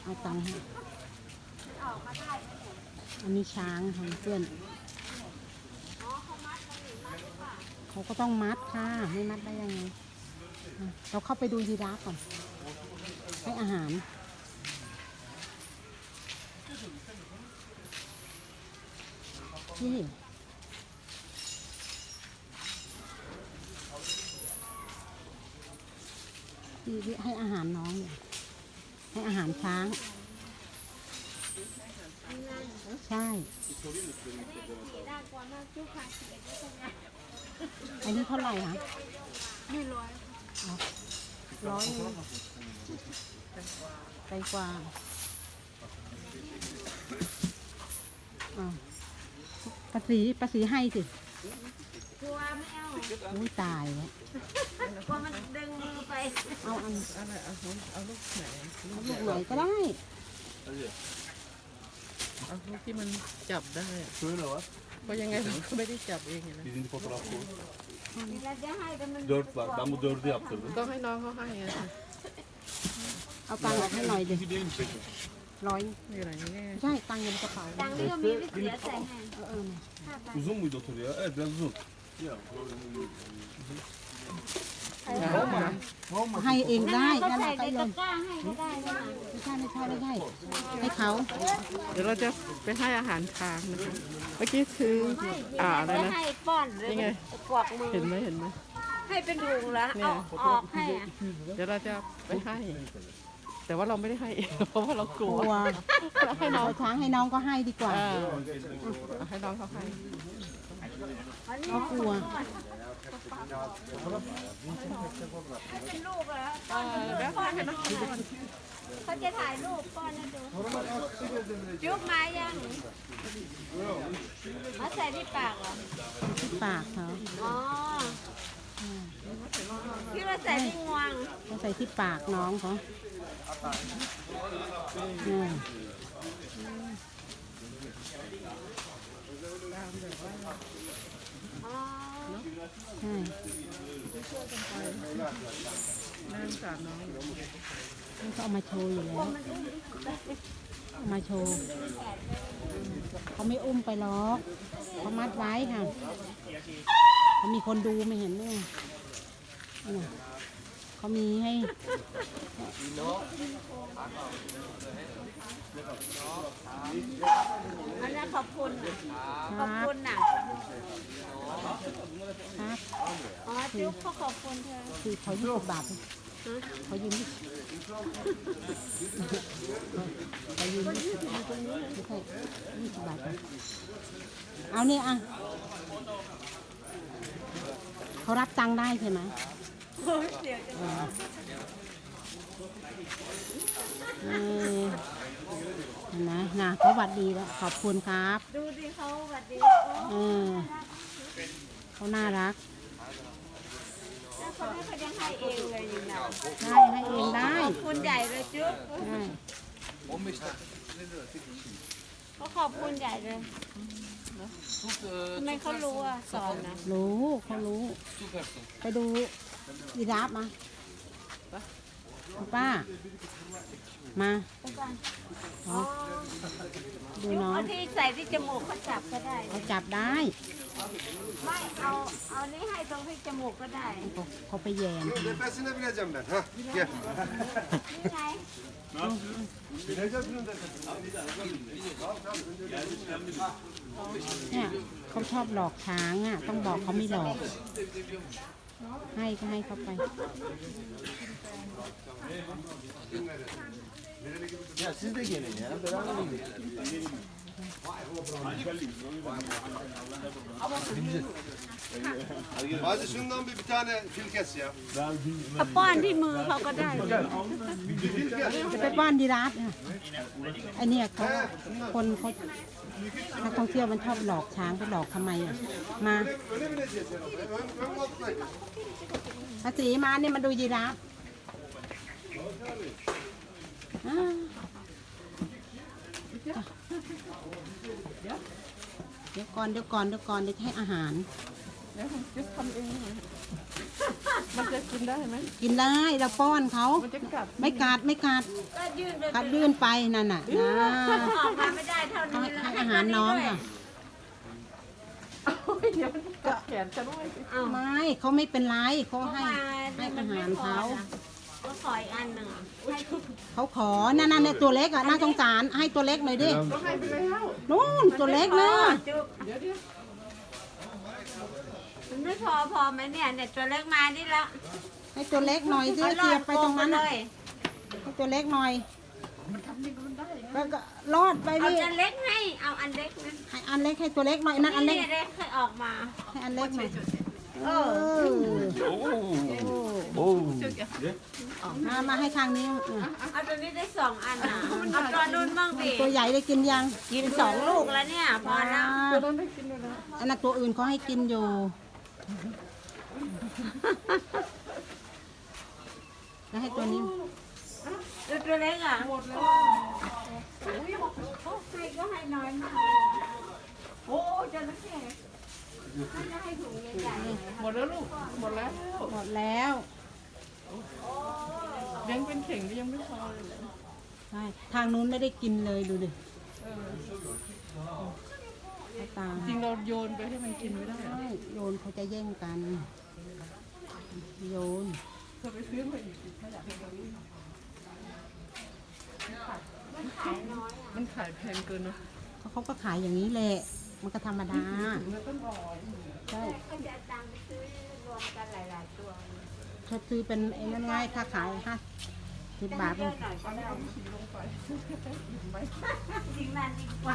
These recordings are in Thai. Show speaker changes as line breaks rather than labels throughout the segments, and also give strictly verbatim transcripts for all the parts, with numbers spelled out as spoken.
เอาตังค์ให้อันนี้ช้างค่ะเพื่อนเขาก็ต้องมัดค่ะไม่มัดได้ยังไงเราเข้าไปดูยีราฟก่อนให้อาหารนี่ที่ให้อาหารน้องเนี่ยให้อาหารช้างใช่อันนี้เท่าไหร่คะไม่ร้อยร้อยไปกว่าภาษีภาษีให้สิกลัวไม่เอาอุ้ยตายแล้วกลัวมันดึงมือไปเอาอันอะไรเอาเอาลูกไหนเอาลูกไหนก็ได้เอาลูกที่มันจับได้เพราะยังไงเราก็ไม่ได้จับเองนะ
dört var. Ben bu dördü yaptırdım.
ต้องให้น้องเขาให้เอาตังค์ให้หน่อยดิร้อยนี่อะไรนี่ใช่ตังค์อยู่ในกระเป๋าตังค์นี่ก็มีวิเศษใส่ให้เออ
Uzun muydu otur ya? Evet biraz uzun.
ให้เองได้นั่นแหละก็เลยไม่ใช่ไม่ใช่ไม่ใช่ให้เขาเดี๋ยวเราจะไปให้อาหารช้างนะคะเมื่อกี้ซื้ออ่าอะไรนะให้ป้อนเลยไงกวักมือเห็นไหมเห็นไหมให้เป็นถุงแล้วเอาออกให้เดี๋ยวเราจะไปให้แต่ว่าเราไม่ได้ให้เพราะว่าเรากลัวให้น้องช้างให้น้องก็ให้ดีกว่าให้น้องเขาให้เขากลัวเป็นลูกแล้วป้อนให้น้องเขาจะถ่ายรูปป้อนนะดูจุ๊บไม้ยังเขาใส่ที่ปากเหรอที่ปากเขาอ๋อพี่ว่าใส่ที่งวงเขาใส่ที่ปากน้องเขาใช่นั่งสามน้องนี่ก็เอามาโชว์อยู่แล้วเอามาโชว์เขาไม่อุ้มไปหรอกเขามัดไว้ค่ะเขามีคนดูไม่เห็นด้วยเขามีให้อันนั้นขอบคุณขอบคุณน่ะครับอ๋อจุ๊บเขาขอบคุณเธอคือเขายี่สิบบาทเขายืมเขายืมไม่ใช่ยี่สิบบาทเอานี่อ่ะเขารับตังค์ได้ใช่ไหมนะนะเขาหวัดดีแล้วขอบคุณครับดูดิเขาหวัดดีเออเขาน่ารักแล้วเขาไม่เขายังให้เองเลยยังไงได้ให้เองได้ขอบคุณใหญ่เลยจุ๊บเขาขอบคุณใหญ่เลยทำไมเขารู้อ่ะสอนนะรู้เขารู้ไปดูยีราฟมาป้ามาอ๋อดูน้องที่ใส่ที่จมูกเขาจับก็ได้เขาจับได้ไม่เอาเอานี่ให้ตรงที่จมูกก็ได้เขาไปแย่งนี่ไงเนี่ยเขาชอบหลอกช้างอ่ะต้องบอกเขาไม่หลอกให้ก็ให้เขาไป
Ya siz de gelin ya. Beraber gidelim.
Hadi şundan bir bir tane fil kes ya.
ป้อนที่มือเขาก็ได้จะไปป้อนยีราฟเนี่ยไอเนี่ยเขาคนเขานักท่องเที่ยวมันชอบหลอกช้างไปหลอกทำไมอ่ะมาภาษีมาเนี่ยมาดูยีราฟเดี๋ยวก่อนเดี๋ยวก่อนเดี๋ยวก่อนเดี๋ยวให้อาหารแล้วผมจะทำเองมันจะกินได้ไหม
กินได้เราป้อนเขา
มันจะกัด
ไม่กัดไม่กัด
ก็ยื่นไป
กัดยื่นไปนั่นน่ะนะ
ออกมาไม่ได้เท่า
ให้
นี้
ให้อาหารน้องค่ะ
โอ้ยเดี๋ยวมันกัดแขนจะด้วย
เอา
ไม่เขาไม่เป็นไรเขา
เข้า
ให้
มา
ให้อาหารเขา
ก็ขออีกอันหนึ่งอะให้ที่
เขาขอนั่นนั่นเนี่ยตัวเล็กอ่ะน่าสงสารให้ตัวเล็กหน่อยดิ
ก็ให้ไปแล้ว
นู่นตัวเล็กเนอะ
จุ๊บ
เดี๋ยวเดี๋ยว
มันไม่พอพอไหมเนี่ยเนี่ยตัวเล็กมานี่ละ
ให้ตัวเล็กหน่อยสิ
เอา
เสียบไปตรงนั้น
เล
น่ะ
ย
ให้ตัวเล็กหน่อยแล้วก็รอดไป
เอา
ดิ
อันเล็กให้เอาอันเล็กนะ
ให้อันเล็กให้ตัวเล็กหน่อยนั่นอันเล็ก
นี่เล็กเคยออกมา
ให้อันเล็กหน่อยเออ
오. 오.
มามาให้ทางนี้อ่ะ
เอาตัวนี้ได้สองอันนะเอาตัวนู้นบ้างดิ
ตัวใหญ่ได้กินยัง
กินสองลูกแล้วเนี่ยพอแล้ว
ตัวนั้นได้กินด้วยนะ
อันนั้นตัวอื่นเขาให้กินอยู่แล้วให้ตัวนี้
ดูตัวเล็กอ่ะ
หมดแล้ว
ให้ก็ให้น้อยมากโอ้จระเข้ถ้าจะให้ถุงใหญ่ๆ
หมดแล้วลูกหมดแล้ว
หมดแล้ว
ยังเป็นเข่งก็ยังไม่พอเลย
ใช่ทางนู้นไม่ได้กินเลยดูดิให้ตาม
จริงเราโยนไปให้มันกินไม่ได้เหรอ
ใช่โยนเขาจะแย่งกัน โยน
เธอไปซื้อมาอีกถ้าอยากให้เราวิ่งมันขายแพงเกินเนาะ
เขาเขาก็ขายอย่างนี้แหละ มันก็ธรรมดา
แล้วก็รอ
ใช่
ก็จะตังค์ไปซื้อรวมกันหลายๆตัว
เขาซื้อเป็นไอ้นั่นไง่ายค่าขายห้าสิบบาท
เยอะหน่อยก็ได้
ขี่ลงไป
จริงนั่นดีกว่า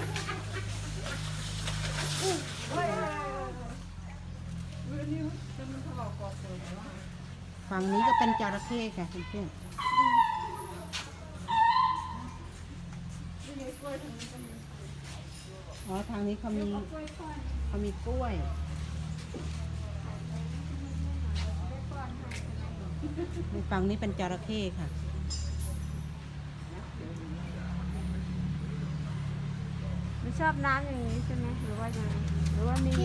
ฝั่งนี้ก็เป็นจระเข้ค่ะเพื่อนๆอ๋อทางนี้เขามีเขามีกล้วย ฝั่งนี้เป็นจระเข้ค่ะ
ไม่ชอบน้ำอย่างนี้ใช่ไหมหรือว่ายังไงหรือว่ามี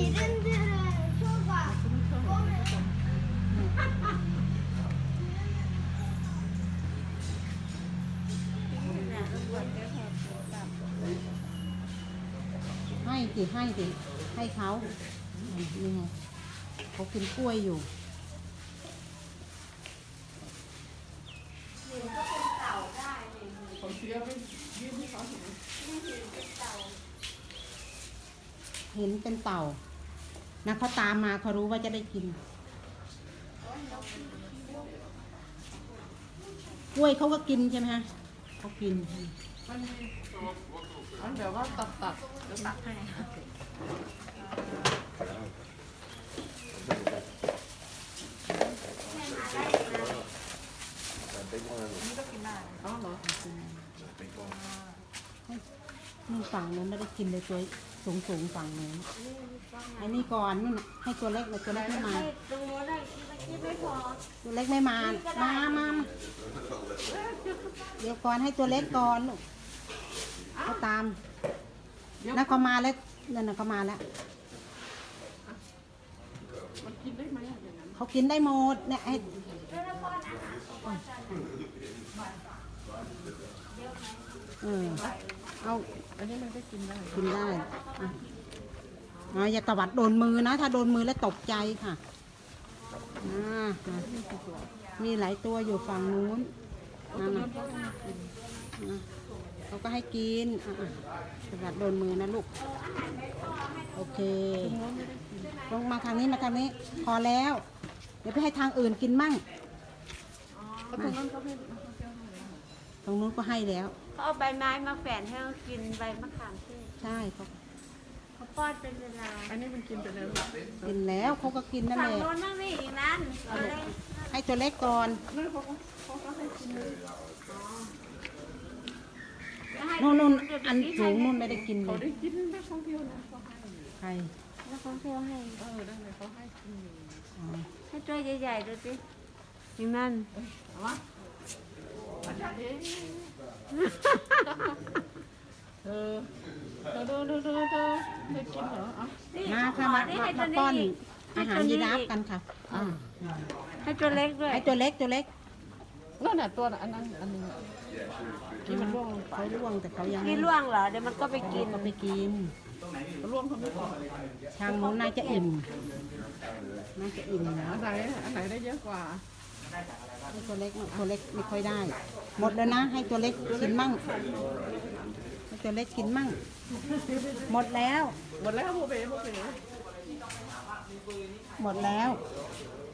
ให้สิให้สิให้เขานี่ไงเขากินกล้วยอยู่
ผมเสียไปยื่นให้เขาเห็น
เห็นเป็นเต่านะเขาตามมาเขารู้ว่าจะได้กิน กล้วยเขาก็กินใช่ไหมฮะเขากิน
มันมีอันแบบว่าตัดตัดเดี๋ยวตัดให้ อ๋อเหรอ
นู่นฝั่งนู้นไม่ได้กินเลยตัวสูงสูงๆฝั่งนู้นไอ้นี่ก่อนนู่นน่ะให้ตัวเล็กเลยตัวเล็กไม่มา
ให้ตรงโน้นได้เมื่อกี้ไม่พอ
ตัวเล็กไม่มา มามามาเดี๋ยวก่อนให้ตัวเล็กก่อนลูกเขาตามนั่นเขามาแล้วนั่นน่ะเขามาแล้ว
มันกินได้ไหมอย่างนั้น
เขากินได้หมดเนี่ยให้เออเอา
อันนี้มันก็กินได้
กินได้อ่ะอ่าอย่าตวัดโดนมือนะ ถ้าโดนมือแล้วตกใจค่ะอ่าอ่ะมีหลายตัวอยู่ฝั่งนู้นนั่นน่ะอ่ะเขาก็ให้กินอ่ะอ่ะตวัดโดนมือนะลูก โอเค ลงมาทางนี้มาทางนี้ พอแล้ว เดี๋ยวไปให้ทางอื่นกินมั่ง
ตรงนั้นก็ไม่
ตรงนู้นก็ให้แล้ว
เขาเอาใบไม้มาแฝนให้เขากินใบมะขามเทศ
ใช่เขา
เขาป้อนเป็นเวลา
อันนี้มันกินไปแล้ว
กินแล้วเขาก็กินนั่น
ฝั่ง
แหละ
โน้นนั่งนี่อีกนั้นตัวเล็ก
ให้ตัวเล็กก่อน
นั่นเขาก็เขาก็ให้กินเลย
แล้วให้
นู่นนู่น
เดี๋ยว
อัน
พี่
สูง
ให้
นู่นไม่ได้กินเล
เขา
ย
ได้กินนักท่องเที่ยวนะเขาให้
ใคร
แล้วเขาเที่ยวให้
เออได้เลยเขาให้กินอยู่
อ๋อ
ให้ตัวใหญ่ๆดูสิอย่างนั้น
เอาวะเอ๊ะเธอเธอเธอเธอเธอเธอได้กินเหรออ่ะ
นี่
มาค่ะ
ขอ
มา
นี่
มา
ให้ตั
มาว ป้อน
นี้อีก
อาหารยีราฟกันค่ะอ่า
ให้ให้ตัวเล็กด้วย
ให้ตัวเล็กตัวเล็ก
นั่นน่ะตัวอันนั้นอันนึงที่มันร่วงลงไป
เขาล่วงแต่เขายัง
นี่ล่วงเหรอเดี๋ยวมันก็ไปกิน
ก็ไปกิน
ร่วงเขาไม่พอ
ทางนู้นน่าจะอิ่มน่าจะอิ่มนะ
อันไหนอันไหนได้เยอะกว่า
ให้ตัวเล็กตัวเล็กไม่ค่อยได้ หมดแล้วนะ ให้ตัวเล็กกินมั่งให้ตัวเล็กกินมั่ง หมดแล้ว
หมดแล้วโบเบ้โบเบ้
หมดแล้ว